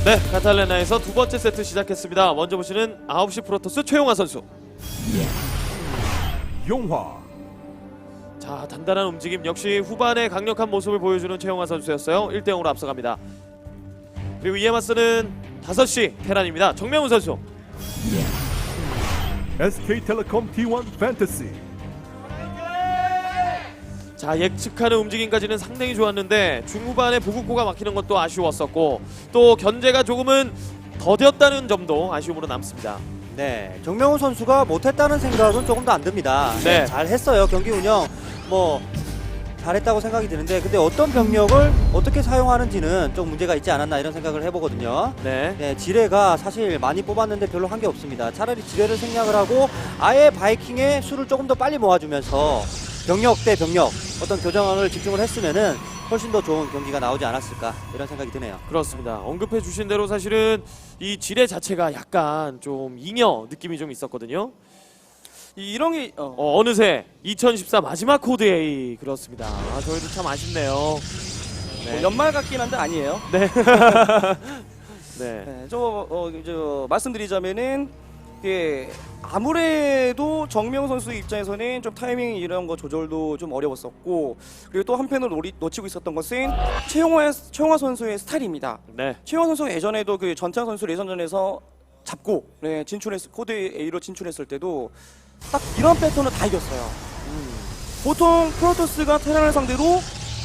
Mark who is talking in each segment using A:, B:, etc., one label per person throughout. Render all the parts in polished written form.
A: 네, 카탈레나에서 두 번째 세트 시작했습니다. 먼저 보시는 9시 프로토스 최용화 선수.
B: 용화.
A: 자, 단단한 움직임, 역시 후반에 강력한 모습을 보여주는 최용화 선수였어요. 1대0으로 앞서갑니다. 그리고 이에 맞서는 5시 테란입니다. 정명훈 선수.
B: SK텔레콤 T1 판타시.
A: 자, 예측하는 움직임까지는 상당히 좋았는데 중후반에 보급고가 막히는 것도 아쉬웠었고 또 견제가 조금은 더뎠다는 점도 아쉬움으로 남습니다.
C: 네, 정명훈 선수가 못했다는 생각은 조금 더 안 듭니다.
A: 네.
C: 잘했어요. 경기 운영 뭐 잘했다고 생각이 드는데 근데 어떤 병력을 어떻게 사용하는지는 좀 문제가 있지 않았나 이런 생각을 해보거든요.
A: 네.
C: 네, 지뢰가 사실 많이 뽑았는데 별로 한 게 없습니다. 차라리 지뢰를 생략을 하고 아예 바이킹의 수를 조금 더 빨리 모아주면서 병력 대 병력 어떤 교정을 집중을 했으면은 훨씬 더 좋은 경기가 나오지 않았을까 이런 생각이 드네요.
A: 그렇습니다. 언급해 주신 대로 사실은 이 지뢰 자체가 약간 좀 잉여 느낌이 좀 있었거든요.
D: 이런 게
A: 어느새 2014 마지막 코드 A 그렇습니다. 아, 저희도 참 아쉽네요. 네.
D: 뭐 연말 같긴 한데 아니에요.
A: 네.
D: 네, 저 말씀드리자면은 아무래도 정명 선수 입장에서는 좀 타이밍 이런 거 조절도 좀 어려웠었고 그리고 또 한편으로 놓치고 있었던 것은 최용화 선수의 스타일입니다.
A: 네.
D: 최용화 선수가 예전에도 그 전창 선수 예선전에서 잡고 코드 A로 진출했을 때도 딱 이런 패턴을 다 이겼어요. 보통 프로토스가 테란을 상대로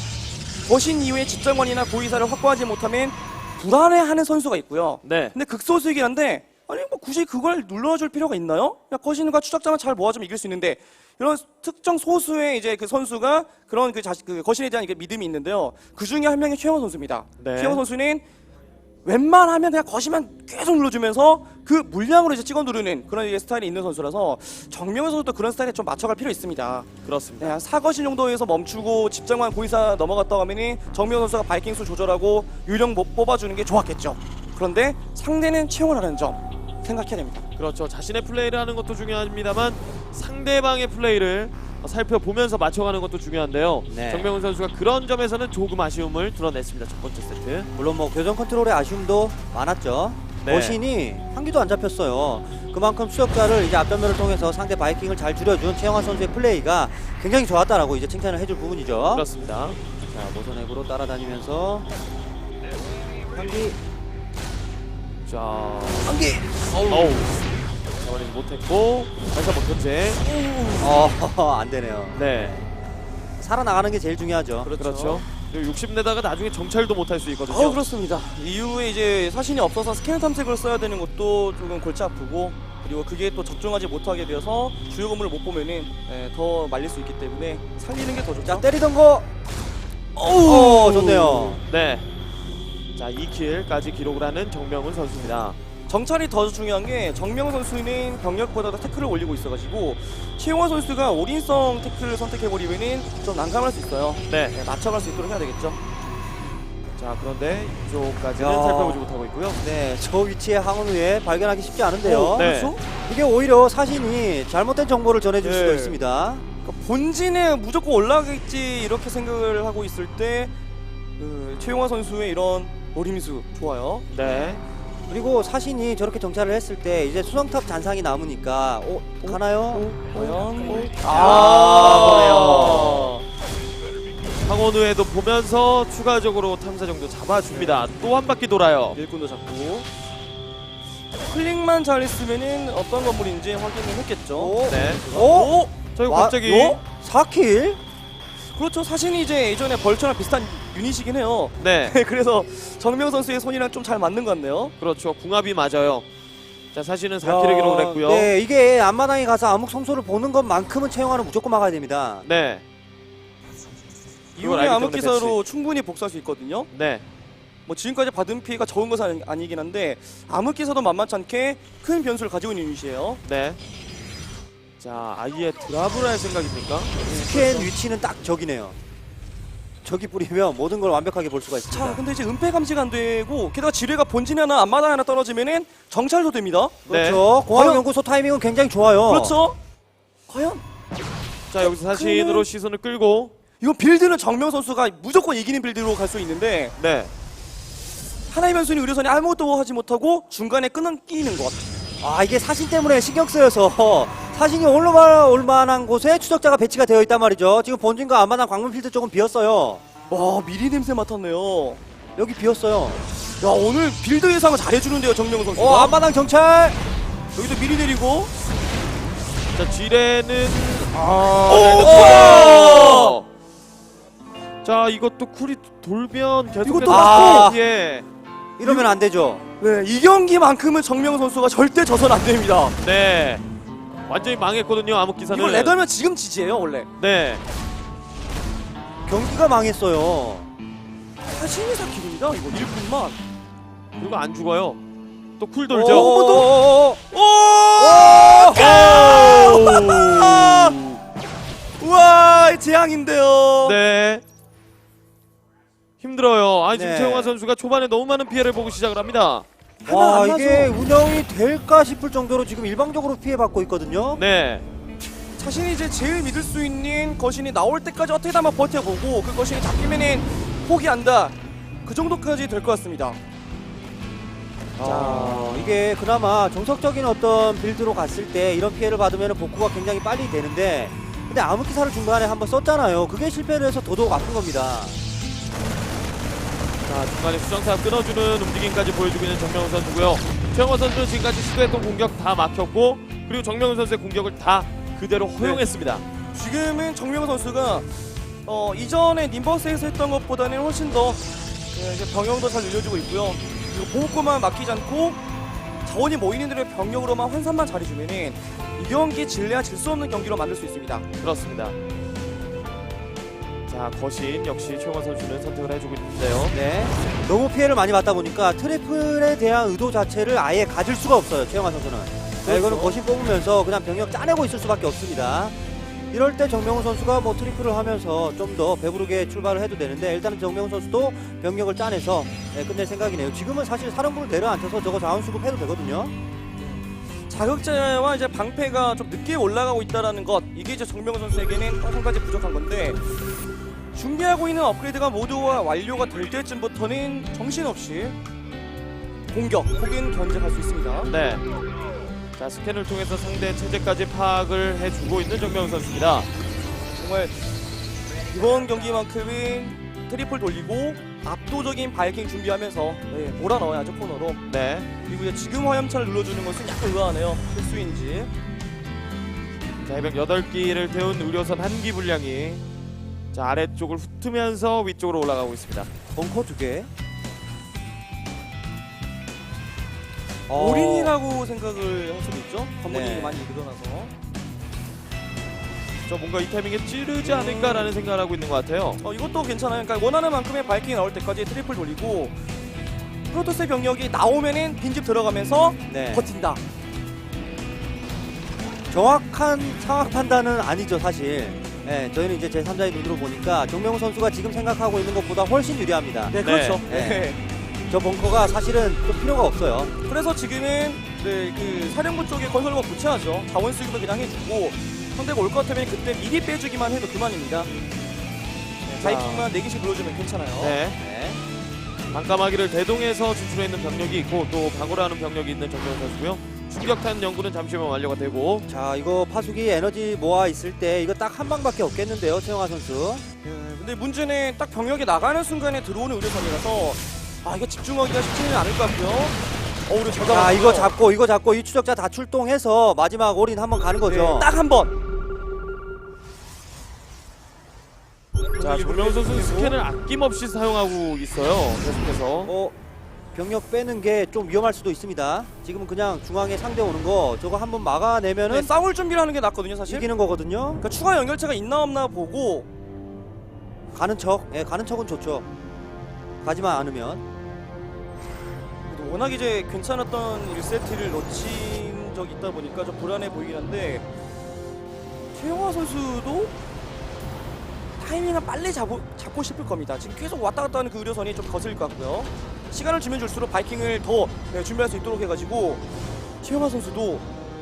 D: 거신 이후에 집정관이나 고위사를 확보하지 못하면 불안해하는 선수가 있고요.
A: 네.
D: 근데 극소수이긴 한데 아니 뭐 굳이 그걸 눌러줄 필요가 있나요? 그냥 거신과 추적자만 잘 모아주면 이길 수 있는데 이런 특정 소수의 이제 그 선수가 그런 그 거신에 대한 믿음이 있는데요. 그 중에 한 명이 최영호 선수입니다.
A: 네.
D: 최영호 선수는 웬만하면 그냥 거신만 계속 눌러주면서 그 물량으로 이제 찍어 누르는 그런 이제 스타일이 있는 선수라서 정명훈 선수도 그런 스타일에 좀 맞춰갈 필요 있습니다.
A: 그렇습니다.
D: 네, 한 4거신 정도에서 멈추고 집정관 고의사 넘어갔다고 하면은 정명훈 선수가 바이킹 수 조절하고 유령 못 뽑아주는 게 좋았겠죠. 그런데 상대는 채용을 점 생각해야 됩니다.
A: 그렇죠. 자신의 플레이를 하는 것도 중요합니다만 상대방의 플레이를 살펴보면서 맞춰가는 것도 중요한데요.
C: 네.
A: 정명훈 선수가 그런 점에서는 조금 아쉬움을 드러냈습니다. 첫 번째 세트.
C: 물론 뭐 교정 컨트롤의 아쉬움도 많았죠.
A: 네.
C: 거신이 한 기도 안 잡혔어요. 그만큼 수역자를 이제 앞전면을 통해서 상대 바이킹을 잘 줄여준 최영환 선수의 플레이가 굉장히 좋았다라고 이제 칭찬을 해줄 부분이죠.
A: 그렇습니다.
C: 자, 모선액으로 따라다니면서 한기
A: 자,
C: 한기
A: 어우, 잡아내지 못했고 다시 한번 견제.
C: 안 되네요.
A: 네,
C: 살아나가는 게 제일 중요하죠.
A: 그렇죠. 그리고 60내다가 나중에 정찰도 못할 수 있거든요.
D: 그렇습니다. 이후에 이제 사신이 없어서 스캐너 탐색을 써야 되는 것도 조금 골치 아프고 그리고 그게 또 적중하지 못하게 되어서 주요 건물을 못 보면은 더 말릴 수 있기 때문에 살리는 게 더 좋죠.
C: 자, 때리던 거. 오, 좋네요.
A: 네. 자, 2킬까지 기록을 하는 정명훈 선수입니다.
D: 정찰이 더 중요한 게 정명 선수는 병력보다도 태클을 올리고 있어가지고 최용화 선수가 올인성 태클을 선택해버리면은 좀 난감할 수 있어요.
A: 네.
D: 맞춰갈 수 있도록 해야 되겠죠.
A: 자, 그런데 이쪽까지는
C: 야.
A: 살펴보지 못하고 있고요.
C: 네, 저 위치에 항원후에 발견하기 쉽지 않은데요.
A: 네.
D: 그렇죠?
C: 이게 오히려 사신이 잘못된 정보를 전해줄
D: 네.
C: 수도 있습니다.
D: 그러니까 본진에 무조건 올라가겠지 이렇게 생각을 하고 있을 때 최용화 선수의 이런 노림수 좋아요.
A: 네.
C: 그리고 사신이 저렇게 정찰을 했을 때 이제 수성탑 잔상이 남으니까 가나요?
D: 과연
C: 보네요.
A: 황원우에도 보면서 추가적으로 탐사 정도 잡아줍니다. 또 한 바퀴 돌아요.
D: 일꾼도 잡고 클릭만 잘했으면은 어떤 건물인지 확인을 했겠죠.
A: 네.
C: 오?
A: 저희
C: 와,
A: 갑자기
C: 4킬?
D: 그렇죠. 사신이 이제 예전에 벌처랑 비슷한 유닛이긴 해요.
A: 네.
D: 그래서 정명 선수의 손이랑 좀 잘 맞는 것 같네요.
A: 그렇죠. 궁합이 맞아요. 자, 사실은 4킬을 기록을 했고요.
C: 네, 이게 앞마당에 가서 암흑 성소를 보는 것만큼은 채용하는 무조건 막아야 됩니다.
A: 네.
D: 이후에
A: 알기
D: 암흑
A: 때문에
D: 기사로 충분히 복수할 수 있거든요.
A: 네.
D: 뭐 지금까지 받은 피해가 적은 것은 아니긴 한데 암흑 기사도 만만치 않게 큰 변수를 가지고 있는 유닛이에요.
A: 네. 자, 아예 드랍을 할 생각입니까?
C: 스캔 위치는 딱 저기네요. 저기 뿌리면 모든 걸 완벽하게 볼 수가 있습니다.
D: 자, 근데 이제 은폐 감지가 안 되고 게다가 지뢰가 본진에 하나 앞마당에 하나 떨어지면은 정찰도 됩니다.
C: 그렇죠. 공항연구소 타이밍은 굉장히 좋아요.
D: 그렇죠. 과연
A: 자, 여기서 사신으로 시선을 끌고
D: 이건 빌드는 정명 선수가 무조건 이기는 빌드로 갈 수 있는데
A: 네.
D: 하나의 변수는 의료선이 아무것도 하지 못하고 중간에 끊기는 것.
C: 아, 이게 사신 때문에 신경 쓰여서 사신이 올 만한 곳에 추적자가 배치가 되어 있단 말이죠. 지금 본진과 앞마당 광문 필드 쪽은 비었어요.
D: 와, 미리 냄새 맡았네요.
C: 여기 비었어요.
D: 야, 오늘 빌드 예상을 잘해주는데요, 정명훈 선수가.
C: 앞마당 정찰.
D: 여기도 미리 내리고.
A: 자, 지뢰는
D: 오!
A: 자, 이것도 쿨이 돌면 계속해서
D: 이것도
C: 맞고!
A: 예.
C: 이러면 안 되죠.
D: 네, 이 경기만큼은 정명훈 선수가 절대 져선 안 됩니다.
A: 네. 완전히 망했거든요. 암흑기사는.
D: 이걸 레더면 지금 지지예요, 원래.
A: 네.
C: 경기가 망했어요.
D: 사신이 사킬입니다, 이거 1분만.
A: 그리고 안 죽어요. 또 쿨
C: 오,
A: 돌죠.
C: 오, 오,
D: 우와, 재앙인데요.
A: 네. 힘들어요. 아니 지금
C: 네.
A: 최용화 선수가 초반에 너무 많은 피해를 보고 시작을 합니다.
C: 와,
D: 하나 안
C: 이게
D: 나죠.
C: 운영이 될까 싶을 정도로 지금 일방적으로 피해받고 있거든요.
A: 네.
D: 자신이 이제 제일 믿을 수 있는 거신이 나올 때까지 어떻게든 한번 버텨보고 그 거신이 잡히면은 포기한다. 그 정도까지 될 것 같습니다.
C: 자, 이게 그나마 정석적인 어떤 빌드로 갔을 때 이런 피해를 받으면 복구가 굉장히 빨리 되는데, 근데 암흑기사를 중간에 한번 썼잖아요. 그게 실패를 해서 더더욱 아픈 겁니다.
A: 자, 중간에 수정타 끊어주는 움직임까지 보여주고 있는 정명훈 선수고요. 최용화 선수는 지금까지 시도했던 공격 다 막혔고, 그리고 정명훈 선수의 공격을 다 그대로 허용했습니다.
D: 지금은 정명훈 선수가 이전에 님버스에서 했던 것보다는 훨씬 더 이제 병영도 잘 늘려주고 있고요. 그리고 보호권만 맡기지 않고 자원이 모이는 대로 병력으로만 환산만 잘해주면은 이 경기 질래야 질 수 없는 경기로 만들 수 있습니다.
A: 그렇습니다. 자, 거신 역시 최용화 선수는 선택을 해주고 있는데요.
C: 네. 너무 피해를 많이 받다 보니까 트리플에 대한 의도 자체를 아예 가질 수가 없어요, 최영환 선수는. 네, 이거는 거신 뽑으면서 그냥 병력 짜내고 있을 수밖에 없습니다. 이럴 때 정명훈 선수가 뭐 트리플을 하면서 좀 더 배부르게 출발을 해도 되는데, 일단은 정명훈 선수도 병력을 짜내서 끝낼 생각이네요. 지금은 사실 사령부를 내려앉혀서 저거 자원 수급해도 되거든요.
D: 자극제와 이제 방패가 좀 늦게 올라가고 있다라는 것, 이게 이제 정명훈 선수에게는 한 가지 부족한 건데, 준비하고 있는 업그레이드가 모두 완료가 될 때쯤부터는 정신없이 공격 혹은 견제할 수 있습니다.
A: 네. 자, 스캔을 통해서 상대 체제까지 파악을 해주고 있는 정명훈 선수입니다.
D: 정말 이번 경기만큼은 트리플 돌리고 압도적인 바이킹 준비하면서 몰아넣어야죠, 코너로.
A: 네.
D: 그리고 이제 지금 화염차를 눌러주는 것은 약간 의아하네요. 필수인지.
A: 자, 해병 8기를 태운 의료선 1기 분량이 자, 아래쪽을 훑으면서 위쪽으로 올라가고 있습니다.
C: 벙커 2개.
D: 올인이라고 생각을 할 수도 있죠. 관문이
C: 네.
D: 많이 늘어나서.
A: 저 뭔가 이 타이밍에 찌르지 않을까라는 생각을 하고 있는 것 같아요.
D: 이것도 괜찮아요. 그러니까 원하는 만큼의 바이킹이 나올 때까지 트리플 돌리고 프로토스의 병력이 나오면은 빈집 들어가면서
C: 네.
D: 버틴다.
C: 정확한 상황 판단은 아니죠, 사실. 네, 저희는 이제 제3자의 눈으로 보니까 정명훈 선수가 지금 생각하고 있는 것보다 훨씬 유리합니다.
D: 네, 그렇죠.
C: 네.
D: 네.
C: 저 벙커가 사실은 좀 필요가 없어요.
D: 그래서 지금은 그 사령부 쪽에 건설과 교체하죠. 자원 수급을 그냥 해주고 상대가 올 것 같으면 그때 미리 빼주기만 해도 그만입니다. 바이킹만 4개씩 눌러주면 괜찮아요.
A: 네.
C: 네.
A: 반까마귀를 대동해서 진출해 있는 병력이 있고 또 방어를 하는 병력이 있는 정명훈 선수고요. 충격탄 연구는 잠시 후면 완료가 되고
C: 자, 이거 파수기 에너지 모아 있을 때 이거 딱 한 방밖에 없겠는데요, 최영하 선수.
D: 근데 문제는 딱 병력이 나가는 순간에 들어오는 의료선이라서 이거 집중하기가 쉽지는 않을 것 같고요. 우리 잘
C: 자,
D: 잡았고요.
C: 이거 잡고 이 추적자 다 출동해서 마지막 올인 한번 가는 거죠.
D: 네, 딱 한 번.
A: 자, 정명훈 선수는 스캔을 아낌없이 사용하고 있어요. 계속해서.
C: 병력 빼는 게 좀 위험할 수도 있습니다. 지금은 그냥 중앙에 상대 오는 거 저거 한번 막아내면은
D: 네, 싸울 준비를 하는 게 낫거든요, 사실.
C: 이기는 거거든요.
D: 그러니까 추가 연결체가 있나 없나 보고
C: 가는 척, 가는 척은 좋죠. 가지만 않으면.
D: 그래도 워낙 이제 괜찮았던 1세트를 놓친 적이 있다 보니까 좀 불안해 보이긴 한데 최영화 선수도 타이밍을 빨리 잡고 싶을 겁니다. 지금 계속 왔다 갔다 하는 그 의료선이 좀 거슬릴 것 같고요. 시간을 주면 줄수록 바이킹을 더 준비할 수 있도록 해가지고 최영화 선수도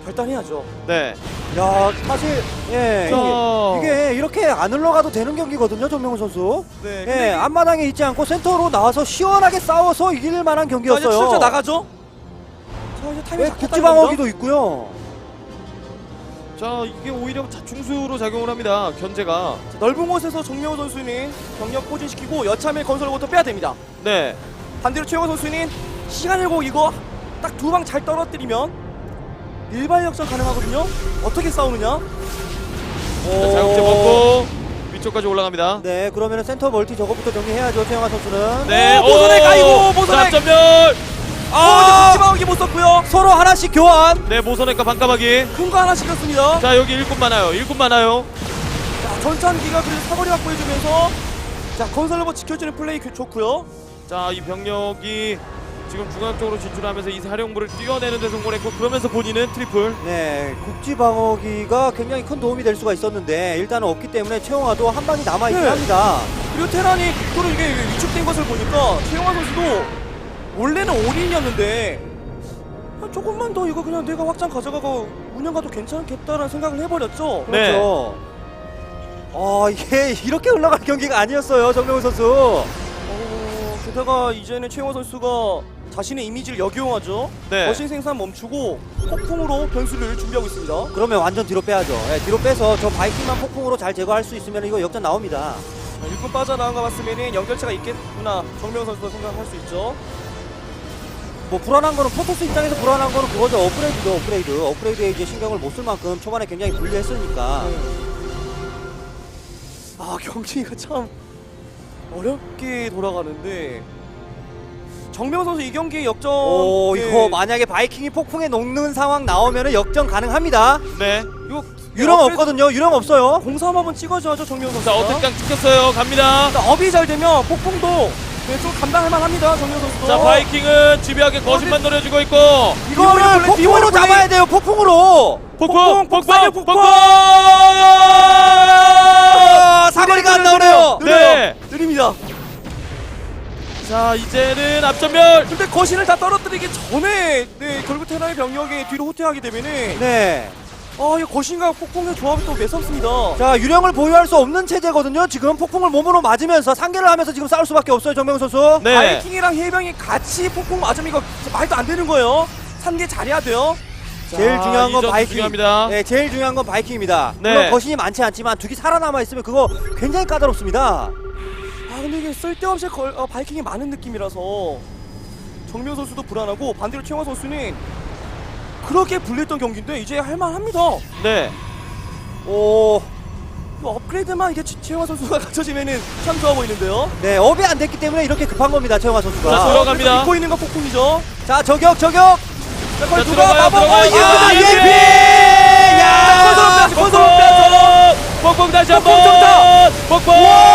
D: 결단해야죠.
A: 네.
C: 야, 사실 예,
A: 자.
C: 이게 이렇게 안 흘러가도 되는 경기거든요, 정명훈 선수.
D: 네.
C: 예,
D: 근데
C: 앞마당에 있지 않고 센터로 나와서 시원하게 싸워서 이길 만한 경기였어요.
D: 이제 출전 나가죠. 자 이제 타이밍
C: 예,
D: 잡겠다는
C: 국지방어기도 있고요.
A: 자, 이게 오히려 자충수로 작용을 합니다. 견제가.
D: 자, 넓은 곳에서 정명호 선수는 병력 포진시키고 여참의 건설로부터 빼야 됩니다.
A: 네.
D: 반대로 최영호 선수는 시간을 보고 이거 딱 두 방 잘 떨어뜨리면 일반 역전 가능하거든요. 어떻게 싸우느냐?
A: 자, 자극제 먹고 위쪽까지 올라갑니다.
C: 네, 그러면 센터 멀티 저거부터 정리해야죠, 최영하 선수는.
A: 네.
D: 모선액 아이고 모선액.
A: 점점멸.
D: 국지방어기 못 썼고요.
C: 서로 하나씩 교환.
A: 네, 모선액과 반까마귀.
D: 큰 거 하나 시켰습니다.
A: 자, 여기 일꾼 많아요. 일꾼 많아요.
D: 자, 전찬기가 그래도 사거리 확보해주면서 자 건설로버 지켜주는 플레이 좋고요.
A: 자, 이 병력이 지금 중앙 쪽으로 진출하면서 이 사령부를 뛰어내는 데 성공했고 그러면서 본인은 트리플.
C: 네, 국지방어기가 굉장히 큰 도움이 될 수가 있었는데 일단은 없기 때문에 최영하도 한 방이 남아있긴
D: 네.
C: 합니다.
D: 그리고 테란이 국도로 이게 위축된 것을 보니까 최영화 선수도 원래는 올인이었는데 조금만 더 이거 그냥 내가 확장 가져가고 운영 가도 괜찮겠다라는 생각을 해버렸죠.
A: 네.
C: 그렇죠. 이게 이렇게 흘러갈 경기가 아니었어요, 정명훈 선수.
D: 게다가 이제는 최영화 선수가 자신의 이미지를 역이용하죠.
A: 네.
D: 거신 생산 멈추고 폭풍으로 변수를 준비하고 있습니다.
C: 그러면 완전 뒤로 빼야죠. 예, 뒤로 빼서 저 바이킹만 폭풍으로 잘 제거할 수 있으면 이거 역전 나옵니다.
D: 일꾼 빠져나간 거 봤으면 연결체가 있겠구나 정명 선수도 생각할 수 있죠.
C: 뭐 불안한 거는 포토스 입장에서 불안한 거는 그거죠. 업그레이드에 이제 신경을 못 쓸 만큼 초반에 굉장히 불리했으니까.
D: 경기가 참 어렵게 돌아가는데 정명 선수 이 경기 역전.
C: 이거 만약에 바이킹이 폭풍에 녹는 상황 나오면은 역전 가능합니다.
A: 네.
D: 이거
C: 유령 없거든요. 유령 없어요.
D: 공삼 한번 찍어줘야죠 정명 선수.
A: 자, 어택강 찍혔어요. 갑니다.
D: 업이 잘 되면 폭풍도 좀 감당할 만합니다 정명 선수도.
A: 자, 바이킹은 집요하게 거짓만 노려주고 있고
C: 이거는 폭풍으로 잡아야 돼요. 폭풍으로.
A: 폭풍.
C: 사거리가 안 나오네요.
A: 네.
D: 느립니다.
A: 자, 이제는 앞전멸.
D: 근데 거신을 다 떨어뜨리기 전에 결국 테라의 병력이 뒤로 후퇴하게 되면은
C: 네.
D: 이 거신과 폭풍의 조합이 또 매섭습니다.
C: 자, 유령을 보유할 수 없는 체제거든요. 지금 폭풍을 몸으로 맞으면서 상계를 하면서 지금 싸울 수밖에 없어요, 정명훈 선수.
A: 네.
D: 바이킹이랑 해병이 같이 폭풍 맞으면 이거 말도 안 되는 거예요. 산계 잘해야 돼요.
C: 제일 중요한 건
A: 이 점수
C: 바이킹.
A: 중요합니다.
C: 네, 제일 중요한 건 바이킹입니다.
A: 네.
C: 물론 거신이 많지 않지만 두 개 살아남아 있으면 그거 굉장히 까다롭습니다.
D: 근데 이게 쓸데없이 바이킹이 많은 느낌이라서 정명 선수도 불안하고 반대로 최영화 선수는 그렇게 불리했던 경기인데 이제 할만합니다.
A: 네.
C: 오,
D: 이거 업그레이드만 이게 최영화 선수가 갖춰지면은 참 좋아 보이는데요.
C: 네, 업이 안 됐기 때문에 이렇게 급한 겁니다, 최영화
A: 자,
C: 선수가.
A: 들어가- 들어갑니다.
D: 입고 있는 건 폭풍이죠.
C: 자, 저격.
A: 자,
D: 누가
A: 들어가요.
C: 예피! 야!
D: 건설 빼야죠.
A: 폭풍 다시 한번. 폭풍.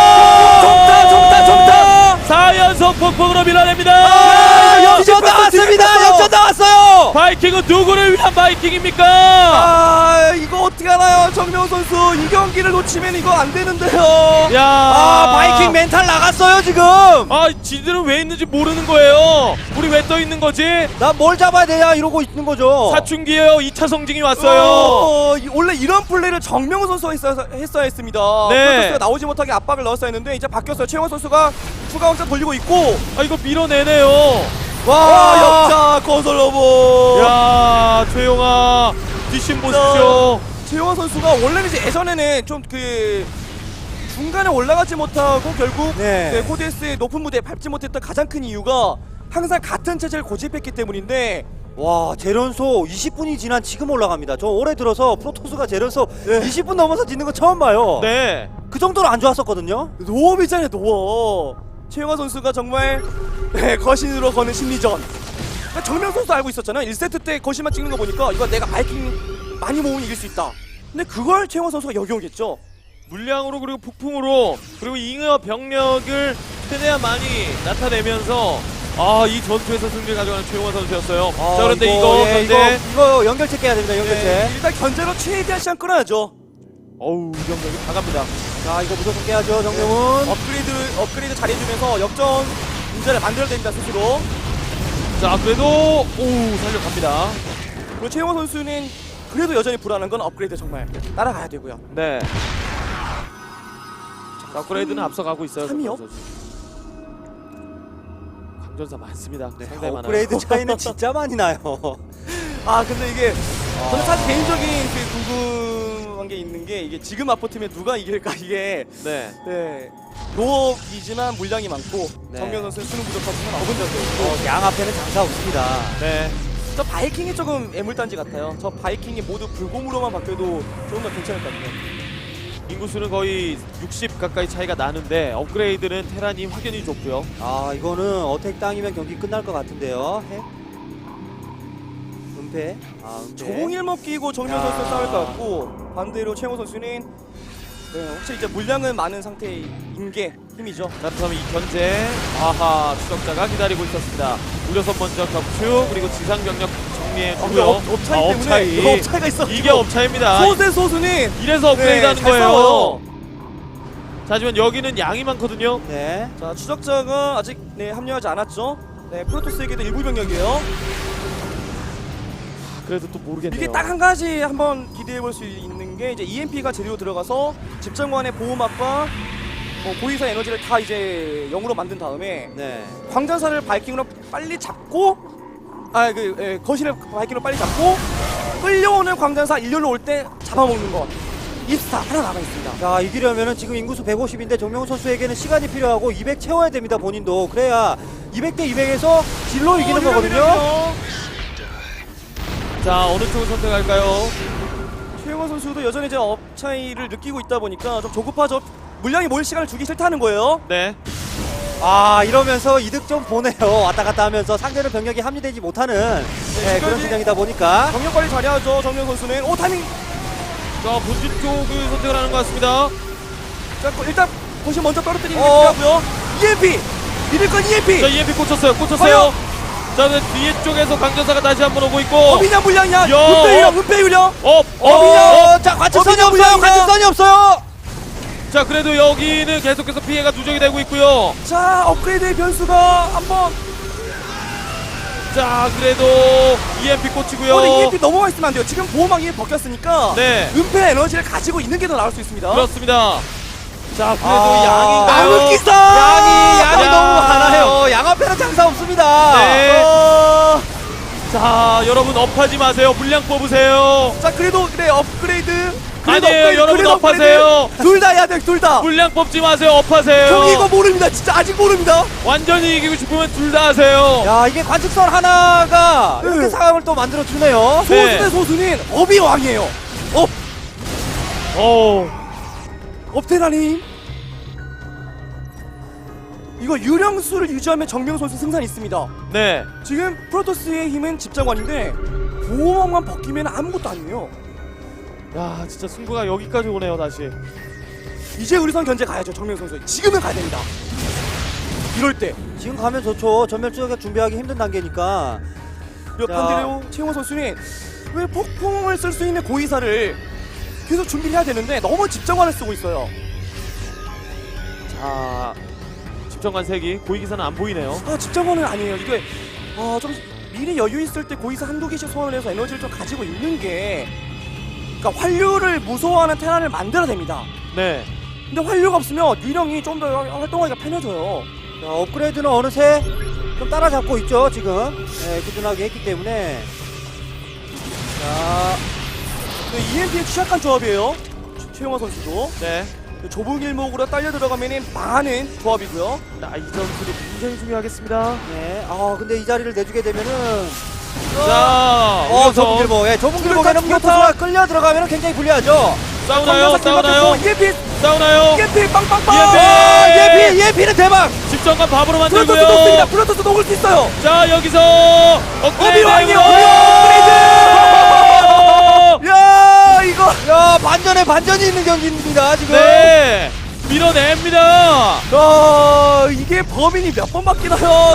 D: 정타.
A: 4연속 폭풍으로 밀어냅니다.
C: 역전 나왔습니다. 역전 나왔어요.
A: 바이킹은 누구를 위한 바이킹입니까?
D: 이거 어떻게 알아요, 정명 선수. 이 경기를 놓치면 이거 안 되는데요.
A: 야,
C: 바이킹 멘탈 나갔어요, 지금.
A: 지들은 왜 있는지 모르는 거예요. 우리 왜 떠 있는 거지?
C: 나 뭘 잡아야 되냐 이러고 있는 거죠.
A: 사춘기에요. 2차 성징이 왔어요.
D: 원래 이런 플레이를 정명훈 선수가 했어야 했습니다.
A: 네.
D: 프로토스가 나오지 못하게 압박을 넣었어야 했는데 이제 바뀌었어요. 최영원 선수가 추가 확장 돌리고 있고.
A: 이거 밀어내네요.
D: 역자 건설 로봇.
A: 야, 최용아 뒷심 보십시오.
D: 최영원 선수가 원래는 이제 예전에는 좀 중간에 올라가지 못하고 결국
C: 네.
D: 코드스의 높은 무대에 밟지 못했던 가장 큰 이유가 항상 같은 체제를 고집했기 때문인데.
C: 와, 재련소 20분이 지난 지금 올라갑니다. 저 올해 들어서 프로토스가 재련소 20분 넘어서 짓는 거 처음 봐요.
A: 네.
C: 그 정도로 안 좋았었거든요.
D: 노업이잖아요, 노업. 최영화 선수가 정말 거신으로 거는 심리전. 그러니까 정명 선수 알고 있었잖아요. 1세트 때 거신만 찍는 거 보니까 이거 내가 바이킹 많이 모으면 이길 수 있다. 근데 그걸 최영화 선수가 역용했죠.
A: 물량으로 그리고 폭풍으로 그리고 잉여 병력을 최대한 많이 나타내면서 이 전투에서 승리를 가져가는 최용화 선수였어요. 자, 그런데
C: 이거 연결체 깨야 됩니다. 연결체.
D: 일단 견제로 최대한 시간 끌어야죠.
A: 어우, 이 병력이 다 갑니다.
C: 자, 이거 무조건 깨야죠, 정명훈.
D: 업그레이드 잘해주면서 역전 문제를 만들어야 됩니다, 스스로.
A: 자, 그래도 살려갑니다.
D: 그리고 최영화 선수는 그래도 여전히 불안한 건 업그레이드 정말 따라가야 되고요.
A: 네. 업그레이드는 앞서가고 있어요.
D: 삼이요?
A: 정명훈 선수. 강전사 많습니다.
C: 네,
A: 상당히 많아요.
C: 업그레이드 차이는 진짜 많이 나요.
D: 아 근데 이게 저는 사실 개인적인 그 궁금한 게 있는 게 이게 지금 맞붙으면 누가 이길까 이게
A: 네.
D: 네 노업이지만 물량이 많고
C: 네.
D: 정명 선수는 수능 부족하지만 어근 전도 있고
C: 양 앞에는 장사 없습니다.
A: 네.
D: 저 바이킹이 조금 애물단지 같아요. 저 바이킹이 모두 불곰으로만 바뀌어도 조금 더 괜찮을 것 같아요.
A: 인구수는 거의 60 가까이 차이가 나는데 업그레이드는 테란이 확연히 좁고요.
C: 아 이거는 어택 땅이면 경기 끝날 것 같은데요. 은폐. 아 은폐.
D: 조공일목 끼고 정명
C: 야.
D: 선수 싸울 것 같고 반대로 최영호 선수는 네, 혹시 이제 물량은 많은 상태인 게 힘이죠.
A: 자, 그렇다면 이 견제 아하 추적자가 기다리고 있었습니다. 우려선 먼저 격추 그리고 지상 병력 정리해주고요.
D: 업차이 때문에
A: 업차이.
D: 업차이가 있어.
A: 이게 업차입니다.
D: 소세 소수는
A: 이래서 업그레이드 하는
D: 잘
A: 거예요.
D: 싸워요.
A: 자, 하지만 여기는 양이 많거든요.
C: 네.
D: 자 추적자가 아직 네, 합류하지 않았죠. 네 프로토스에게도 일부 병력이에요.
A: 그래도 또 모르겠네요.
D: 이게 딱 한 가지 한번 기대해 볼 수 있는 게 이제 EMP가 제대로 들어가서 집정관의 보호막과 고위사 에너지를 다 이제 0으로 만든 다음에
C: 네.
D: 광전사를 바이킹으로 빨리 잡고 거신을 바이킹으로 빨리 잡고 끌려오는 광전사 일렬로 올 때 잡아먹는 것. 입스타 하나 남아 있습니다.
C: 자 이기려면은 지금 인구수 150인데 정명훈 선수에게는 시간이 필요하고 200 채워야 됩니다. 본인도 그래야 200대 200에서 질로 이기는 거거든요.
A: 자, 어느 쪽을 선택할까요?
D: 최영원 선수도 여전히 이제 업 차이를 느끼고 있다 보니까 좀 조급하죠. 물량이 모일 시간을 주기 싫다는 거예요.
A: 네.
C: 아 이러면서 이득 좀 보네요. 왔다 갔다 하면서 상대는 병력이 합류되지 못하는 그런
D: 지금까지
C: 진영이다 보니까.
D: 경력 관리 잘해야죠. 정명 선수는 오 타이밍.
A: 자, 본진 쪽을 선택을 하는 것 같습니다.
D: 자 일단 거신 먼저 떨어뜨리는 게 필요하고요. EMP 믿을 건 EMP.
A: 자, EMP 꽂혔어요.
D: 과연?
A: 자, 그 뒤에 쪽에서 강전사가 다시 한번 오고 있고.
D: 어비냐 물량이냐?
A: 야,
D: 은폐 유령 은폐 유령.
C: 자 관측선이
D: 어비냐,
C: 없어요.
D: 물량이냐?
C: 관측선이 없어요.
A: 자, 그래도 여기는 계속해서 피해가 누적이 되고 있고요.
D: 자 업그레이드의 변수가 한번.
A: 자, 그래도 EMP 꽂히고요.
D: 근데 EMP 넘어가 있으면 안 돼요. 지금 보호막이 벗겼으니까
A: 네.
D: 은폐 에너지를 가지고 있는 게 더 나을 수 있습니다.
A: 그렇습니다. 자, 그래도
C: 아,
A: 양인가요?
D: 나무기사!
C: 양이
A: 야.
C: 너무 많아요. 양 앞에는 장사 없습니다.
A: 네. 자, 여러분 업하지 마세요. 물량 뽑으세요.
D: 자 그래도 그래 업그레이드.
A: 아니에요, 여러분 업하세요.
D: 둘 다 해야 돼, 둘 다.
A: 물량 뽑지 마세요. 업하세요.
D: 형 이거 모릅니다. 진짜 아직 모릅니다.
A: 완전히 이기고 싶으면 둘 다 하세요.
C: 야 이게 관측선 하나가 이렇게
D: 네.
C: 상황을 또 만들어 주네요.
A: 네.
D: 소수 대 소수는 업이 왕이에요. 업테라님. 이거 유령수를 유지하면 정명 선수 승산이 있습니다.
A: 네.
D: 지금 프로토스의 힘은 집정관인데 보호막만 벗기면 아무것도 아니에요.
A: 야, 진짜 승부가 여기까지 오네요, 다시.
D: 이제 의리선 견제 가야죠, 정명 선수. 지금은 가야 됩니다. 이럴 때.
C: 지금 가면 좋죠. 전멸 추격 준비하기 힘든 단계니까.
D: 그리고
C: 자.
D: 반대로 최용호 선수는 왜 폭풍을 쓸 수 있는 고위사를 계속 준비를 해야 되는데 너무 집정관을 쓰고 있어요.
A: 자, 집정관 색이 고위기사는 안 보이네요.
D: 아 집정관은 아니에요. 이게 좀 미리 여유 있을 때 고위사 한두 개씩 소환을 해서 에너지를 좀 가지고 있는 게, 그러니까 환류를 무서워하는 테란을 만들어야 됩니다.
A: 네.
D: 근데 환류가 없으면 유령이 좀 더 활동하기가 편해져요.
C: 자, 업그레이드는 어느새 좀 따라잡고 있죠 지금. 네, 꾸준하게 했기 때문에. 자,
D: EMP에 취약한 조합이에요. 최용화 선수도
A: 네.
D: 좁은 길목으로 딸려 들어가면 망하는 조합이고요.
A: 자, 이 점수도 굉장히 중요하겠습니다.
C: 네. 아 근데 이 자리를 내주게 되면은
A: 자,
C: 좁은
A: 우려선
C: 길목. 예, 좁은 길목에는
D: 투르타.
C: 프로토스가 끌려 들어가면 굉장히 불리하죠.
A: 싸우나요? 싸우나요?
D: EMP
A: 싸우나요?
D: EMP 빵빵빵.
A: EMP!
C: 예피는 대박.
A: 집정관 밥으로
D: 프로토스
A: 만들고요.
D: 녹습니다. 프로토스 녹을 수 있어요.
A: 자, 여기서 업그레이드.
D: 어비왕이요. 야 이거.
C: 야 반전이 있는 경기입니다 지금.
A: 네. 밀어냅니다.
D: 이게 범인이 몇 번 바뀌나요?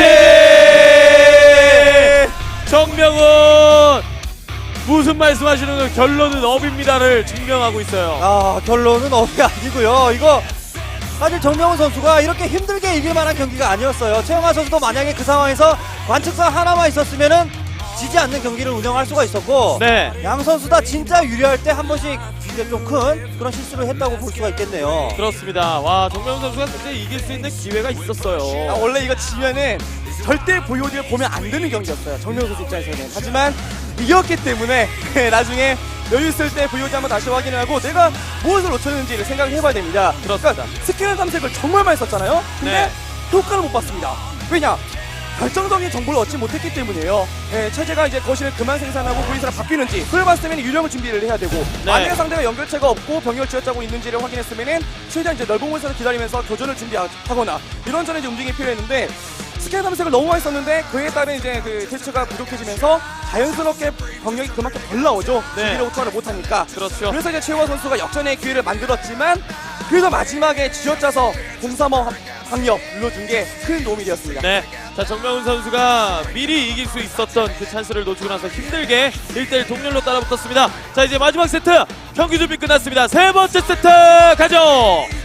A: 제제. 정명은 무슨 말씀하시는 거, 결론은 업입니다를 증명하고 있어요.
C: 아 결론은 업이 아니고요. 이거 사실 정명훈 선수가 이렇게 힘들게 이길 만한 경기가 아니었어요. 최영하 선수도 만약에 그 상황에서 관측선 하나만 있었으면은 지지 않는 경기를 운영할 수가 있었고
A: 네.
C: 양 선수 다 진짜 유리할 때 한 번씩 이제 좀 큰 그런 실수를 했다고 볼 수가 있겠네요.
A: 그렇습니다. 와, 정명훈 선수가 진짜 이길 수 있는 기회가 있었어요.
D: 원래 이거 지면은 절대 VOD를 보면 안 되는 경기였어요. 정명 선수 입장에서는. 하지만 이겼기 때문에 나중에 여유 있을 때 VOD 한번 다시 확인을 하고 내가 무엇을 놓쳤는지를 생각을 해봐야 됩니다.
A: 그렇습니다.
D: 스캐너 탐색을 정말 많이 썼잖아요. 근데
A: 네.
D: 효과를 못 봤습니다. 왜냐? 결정적인 정보를 얻지 못했기 때문이에요. 체제가 이제 거실을 그만 생산하고 보이스랑 바뀌는지 그걸 봤을 때는 유령을 준비를 해야 되고
A: 네.
D: 만약에 상대가 연결체가 없고 병력을 쥐어짜고 있는지를 확인했으면은 최대한 이제 넓은 곳에서 기다리면서 교전을 준비하거나 이런 전에 이제 움직임이 필요했는데 스캐너 탐색을 너무 많이 썼는데 그에 따른 이제 그 대처가 부족해지면서 자연스럽게 병력이 그만큼 덜 나오죠.
A: 네.
D: 준비를 호투를 못하니까.
A: 그렇죠.
D: 그래서 이제 최우화 선수가 역전의 기회를 만들었지만 그래서 마지막에 쥐어짜서 0-3호 방력 눌러준 게 큰 도움이 되었습니다.
A: 네. 자, 정명훈 선수가 미리 이길 수 있었던 그 찬스를 놓치고 나서 힘들게 1대1 동률로 따라붙었습니다. 자, 이제 마지막 세트 경기 준비 끝났습니다. 세 번째 세트 가죠.